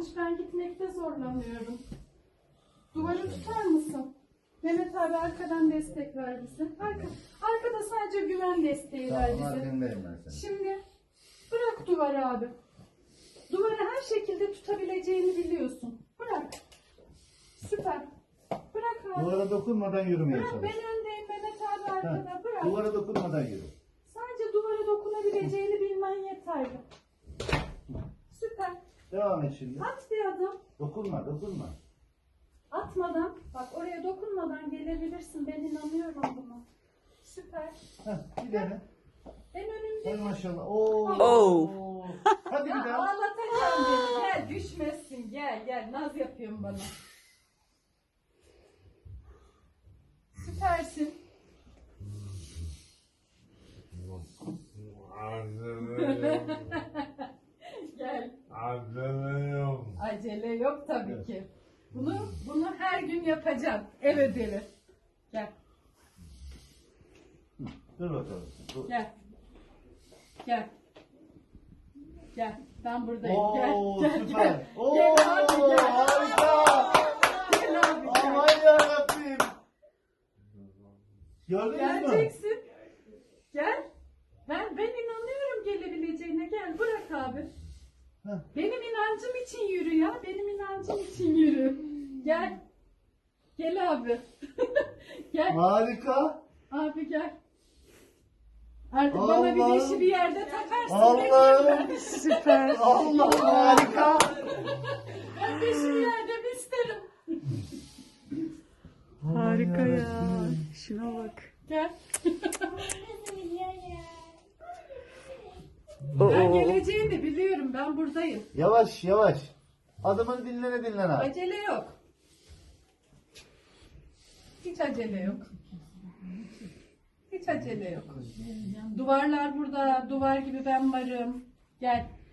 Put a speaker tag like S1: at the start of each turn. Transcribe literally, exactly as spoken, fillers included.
S1: yanlış. Ben gitmekte zorlanıyorum. Duvarı tutar mısın? Mehmet abi arkadan destek ver bize. Arka, arkada sadece güven desteği ver
S2: Tamam,
S1: bize.
S2: arkandayım ben senin.
S1: Şimdi bırak duvarı abi. Duvarı her şekilde tutabileceğini biliyorsun. Bırak. Süper. Bırak abi.
S2: Duvara dokunmadan yürümeye
S1: Bırak,
S2: çalış.
S1: ben öndeyim, Mehmet abi arkada.
S2: Ha,
S1: Bırak.
S2: duvara dokunmadan yürü.
S1: Sadece duvara dokunabileceğini bilmen yeterli. Süper.
S2: Devam et şimdi.
S1: At bir adım.
S2: Dokunma, dokunma.
S1: Atmadan, bak oraya dokunmadan gelebilirsin. Ben inanıyorum buna. Süper.
S2: Heh, bir dene.
S1: En
S2: Hay
S1: önümde.
S2: maşallah. Oo.
S3: Oo.
S2: Hadi bir
S1: Ya
S2: daha.
S1: ağlatacağım beni. Gel, düşmezsin. Gel gel. Naz yapıyorsun bana. Süpersin. Gel. Acele yok tabii
S2: Evet.
S1: ki. Bunu bunu her gün yapacağım. Ev ödevi. Gel.
S2: Dur bakalım. Dur.
S1: Gel. Gel. Gel. Ben buradayım.
S2: Oo,
S1: gel. Gel.
S2: süper.
S1: Gel.
S2: Oo,
S1: Gel abi gel.
S2: harika.
S1: Gel abi gel.
S2: Aman yarabbim. Gördünüz mü?
S1: Geleceksin. Gel. Ben ben inanıyorum gelebileceğine. Gel bırak abi.
S2: Heh.
S1: Benim inancım için yürü ya. Benim inancım için yürü. Gel. Gel abi. Gel.
S2: Harika.
S1: Abi gel. Artık bana bir
S2: Allah'ım.
S1: dişi bir yerde takarsın.
S2: Allah'ım.
S3: Süper.
S2: Allah harika.
S1: Ben dişi bir yerde bir isterim.
S3: Harika ya. Şuna bak.
S1: Gel.
S3: Oo.
S1: Ben geleceğini biliyorum. Ben buradayım.
S2: Yavaş yavaş. Adımını dinlene dinlene abi.
S1: Acele yok. Hiç acele yok. Hiç acele yok. Duvarlar burada. Duvar gibi ben varım. Gel.